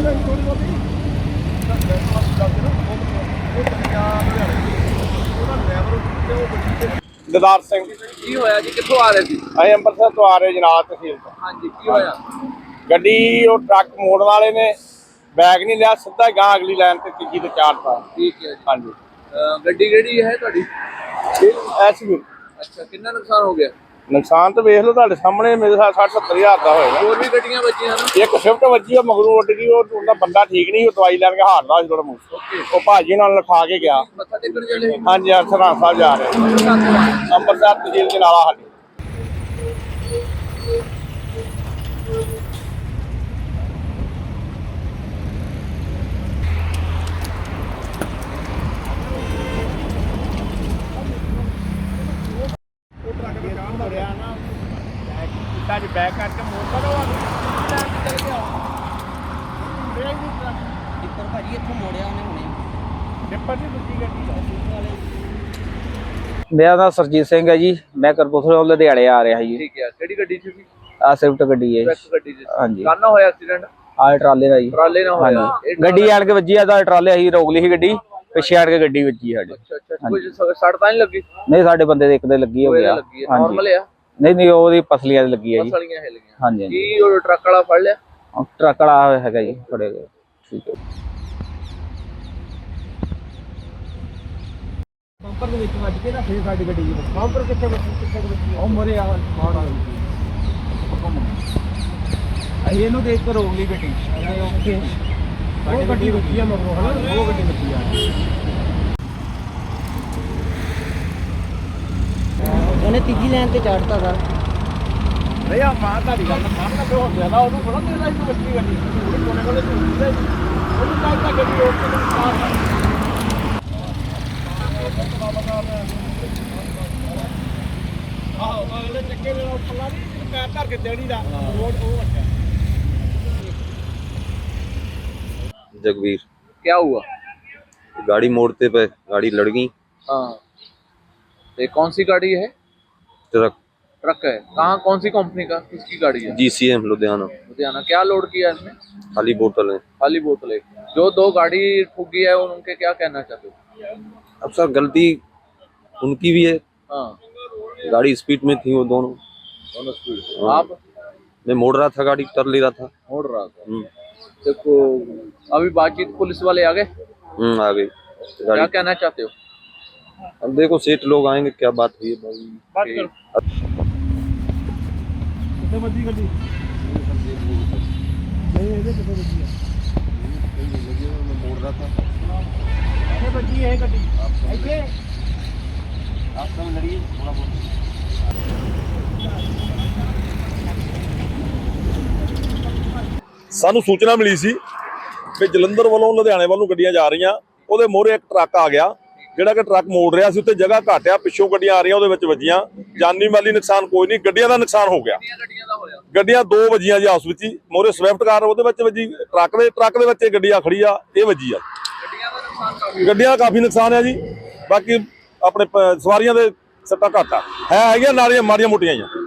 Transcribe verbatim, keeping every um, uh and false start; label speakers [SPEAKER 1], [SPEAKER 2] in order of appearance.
[SPEAKER 1] ददार सिंह
[SPEAKER 2] की होया जी, कित्थों आ रहे थे?
[SPEAKER 1] ਅਸੀਂ ਅੰਮ੍ਰਿਤਸਰ ਤੋਂ ਆ ਰਹੇ ਜਨਾਬ ਤਹਿਸੀਲ ਤੋਂ।
[SPEAKER 2] ਹਾਂਜੀ, की होया?
[SPEAKER 1] ਗੱਡੀ ਉਹ ਟਰੱਕ ਮੋੜਨ ਵਾਲੇ ਨੇ बैग नहीं लिया, सीधा गां अगली लाइन ते तीजी ते चारता।
[SPEAKER 2] ठीक है जी।
[SPEAKER 1] हाँ जी।
[SPEAKER 2] गड्डी केड़ी है तुहाडी?
[SPEAKER 1] एसयू।
[SPEAKER 2] अच्छा, कितना नुकसान हो गया?
[SPEAKER 1] नुकसान तो वेख लो तुहाडे सामने, मेरे साथ साठ सत्तर हजार का होएगा।
[SPEAKER 2] और भी गड्डियां बचियां ना?
[SPEAKER 1] एक स्विफ्ट बची है मगरू उड़ गई, और उनका बंदा ठीक नहीं, वो दवाई लैन के हारदा सी थोड़ा मूंह। वो भाजी नाल लिखा के गया।
[SPEAKER 2] मत्था टेकण चले?
[SPEAKER 1] हाँ जी, सरहंद साहब जा रहे अंमृतसर तहसील जनाला साडी। बैक करके मोड़
[SPEAKER 3] ਭਾਜੀ ਇੱਥੋਂ ਮੋੜਿਆ ਉਹਨੇ ਹੁਣੇ।
[SPEAKER 1] ਡਿੱਪਰ ਦੀ ਦੂਜੀ ਗੱਡੀ
[SPEAKER 3] ਮੇਰਾ ਨਾਮ ਸਰਜੀਤ ਸਿੰਘ ਹੈ ਜੀ, ਮੈਂ ਕਰਪੂਰਥਲੇ ਤੋਂ ਲੁਧਿਆਣੇ ਆ ਰਿਹਾ ਜੀ।
[SPEAKER 2] ठीक है, केड़ी गड्डी सी?
[SPEAKER 3] ਆ ਸਵਿਫਟ ਗੱਡੀ ਹੈ ਜੀ।
[SPEAKER 2] स्विफ्ट गड्डी सी।
[SPEAKER 3] ਹਾਂਜੀ।
[SPEAKER 2] काना होया एक्सीडेंट?
[SPEAKER 3] ਆ ਟਰਾਲੇ ਦਾ ਜੀ।
[SPEAKER 2] ट्राले ना होया?
[SPEAKER 3] ਹਾਂਜੀ, ਗੱਡੀ ਆਣ ਕੇ ਵੱਜੀ ਆ ਤਾਂ ਟਰਾਲੇ ਅਸੀਂ ਰੋਕ ਲਈ ਸੀ ਗੱਡੀ, ਪਿੱਛੇ ਆਣ ਕੇ ਗੱਡੀ ਵੱਜੀ ਸਾਡੇ।
[SPEAKER 2] अच्छा अच्छा, कुछ सड़ तां नहीं लगी?
[SPEAKER 3] ਨਹੀਂ ਸਾਡੇ ਬੰਦੇ ਦੇ ਇੱਕ ਦੇ ਲੱਗੀ ਹੋ ਗਿਆ।
[SPEAKER 2] लगी है, नॉर्मल है?
[SPEAKER 3] ਨਹੀਂ ਨਹੀਂ ਉਹਦੀ ਪਸਲੀਆਂ ਦੀ ਲੱਗੀ ਹੈ ਜੀ।
[SPEAKER 2] पसलियां हिल गईं।
[SPEAKER 3] ਹਾਂਜੀ
[SPEAKER 2] की वो ट्रक वाला फड़ लिया?
[SPEAKER 3] ਹਾਂਜੀ, ਟਰੱਕ ਵਾਲਾ ਹੈਗਾ ਜੀ ਫੜੇ ਗਏ। ਠੀਕ ਹੈ।
[SPEAKER 1] ਬੰਪਰ ਦੇ ਵਿੱਚ ਵੱਜ ਕੇ ਨਾ ਫੇਰ ਸਾਡੀ ਗੱਡੀ ਦੀ ਬੰਪਰ ਕਿੱਥੇ ਵੱਜੀ, ਕਿੱਥੇ ਵੱਜੀ ਉਹ ਮਰੇ ਆ ਮਾਰ ਆ ਅਸੀਂ ਇਹਨੂੰ ਦੇਖ ਕੇ ਰੋਕ ਲਈ ਗੱਡੀ। ਓਕੇ, ਉਹ ਗੱਡੀ ਵੱਜੀ ਆ ਮਗਰੋਂ, ਹਨਾ ਉਹ ਗੱਡੀ ਵੱਜੀ ਆ।
[SPEAKER 3] ਉਹਨੇ ਤੀਜੀ ਲਾਈਨ ਤੇ ਚੜ੍ਹਤਾ ਸਰ।
[SPEAKER 1] ਨਹੀਂ ਆ ਮਾਂ ਤੁਹਾਡੀ ਗੱਲ ਮੰਨ ਨਾ ਹੋ ਗਿਆ ਨਾ, ਉਹਨੂੰ ਥੋੜਾ ਦੇਰ ਲਾਈ ਤੂੰ ਵੱਜੀ ਗੱਡੀ, ਉਹਨੂੰ ਕੋਨੇ ਕੋਨੇ ਤੂੰ ਉਹਨੂੰ ਕਹਿੰਦਾ ਗੱਡੀ ਰੋਕ ਕੇ ਤੂੰ ਮਾਰ।
[SPEAKER 4] जगवीर,
[SPEAKER 2] क्या हुआ?
[SPEAKER 4] गाड़ी मोड़ते पे गाड़ी लड़ गई।
[SPEAKER 2] हाँ, ये कौन सी गाड़ी है?
[SPEAKER 4] ट्रक
[SPEAKER 2] ट्रक है। कहाँ, कौन सी कंपनी का, किसकी गाड़ी है?
[SPEAKER 4] G C M Ludhiana.
[SPEAKER 2] Ludhiana. क्या लोड किया इसमें?
[SPEAKER 4] खाली बोतल है।
[SPEAKER 2] खाली बोतल है। जो दो गाड़ी ठुकी है उनके क्या कहना चाहते हो?
[SPEAKER 4] अब सर गलती उनकी भी है।
[SPEAKER 2] हाँ,
[SPEAKER 4] गाड़ी स्पीड में थी वो दोनों।
[SPEAKER 2] दोनों स्पीड।
[SPEAKER 4] हाँ।
[SPEAKER 2] आप?
[SPEAKER 4] मैं मोड़ रहा था, गाड़ी कर ले रहा था।
[SPEAKER 2] मोड़ रहा था।
[SPEAKER 4] हम्म
[SPEAKER 2] देखो, अभी बातचीत पुलिस वाले आ गए?
[SPEAKER 4] हम्म आ गई
[SPEAKER 2] क्या
[SPEAKER 4] गाड़ी।
[SPEAKER 2] कहना चाहते हो?
[SPEAKER 4] अब देखो सेठ लोग आएंगे, क्या बात हुई है भाई।
[SPEAKER 1] बात कर कितने बजी ਗੱਡੀ ਨਹੀਂ ਇਹਦੇ ਕਿੱਥੇ ਵੱਜੀ ਆ?
[SPEAKER 4] मैं मोड़ रहा था।
[SPEAKER 1] ਕਿੱਥੇ ਵੱਜੀ ਇਹ ਗੱਡੀ? ਇੱਥੇ
[SPEAKER 4] रास्ते में लड़ी थोड़ा बहुत।
[SPEAKER 5] ਸਾਨੂੰ ਸੂਚਨਾ ਮਿਲੀ ਸੀ ਕਿ ਜਲੰਧਰ ਵੱਲੋਂ ਲੁਧਿਆਣੇ ਵੱਲ ਨੂੰ ਗੱਡੀਆਂ ਜਾ ਰਹੀਆਂ, ਉਹਦੇ ਮੋਹਰੇ ਇੱਕ ਟਰੱਕ ਆ ਗਿਆ, ਜਿਹੜਾ ਕਿ ਟਰੱਕ ਮੋੜ ਰਿਹਾ ਸੀ, ਉੱਤੇ ਜਗ੍ਹਾ ਘੱਟ ਆ, ਪਿੱਛੋਂ ਗੱਡੀਆਂ ਆ ਰਹੀਆਂ, ਉਹਦੇ ਵਿੱਚ ਵੱਜੀਆਂ। ਜਾਨੀ ਮਾਲੀ ਨੁਕਸਾਨ ਕੋਈ ਨਹੀਂ, ਗੱਡੀਆਂ ਦਾ ਨੁਕਸਾਨ ਹੋ ਗਿਆ।
[SPEAKER 2] ਗੱਡੀਆਂ ਦਾ ਹੋਇਆ?
[SPEAKER 5] ਗੱਡੀਆਂ ਦੋ ਵੱਜੀਆਂ ਜੀ ਆਪਸ ਵਿੱਚ ਹੀ, ਮੋਹਰੇ ਸਵਿਫਟ ਕਾਰ ਉਹਦੇ ਵਿੱਚ ਵੱਜੀ, ਟਰੱਕ ਦੇ ਟਰੱਕ ਦੇ ਵਿੱਚ ਇਹ ਗੱਡੀ ਆ ਖੜੀ ਆ, ਇਹ ਵੱਜੀ ਆ।
[SPEAKER 2] ਗੱਡੀਆਂ ਦਾ ਨੁਕਸਾਨ ਕਾਫੀ?
[SPEAKER 5] ਗੱਡੀਆਂ ਦਾ ਕਾਫੀ ਨੁਕਸਾਨ ਆ ਜੀ, ਬਾਕੀ ਆਪਣੇ ਪ- ਸਵਾਰੀਆਂ ਦੇ ਸੱਟਾਂ ਘੱਟ ਆ, ਹੈ ਹੈਗੀਆਂ ਨਾਲੀਆਂ ਮਾੜੀਆਂ ਮੋਟੀਆਂ ਹੀ ਆ।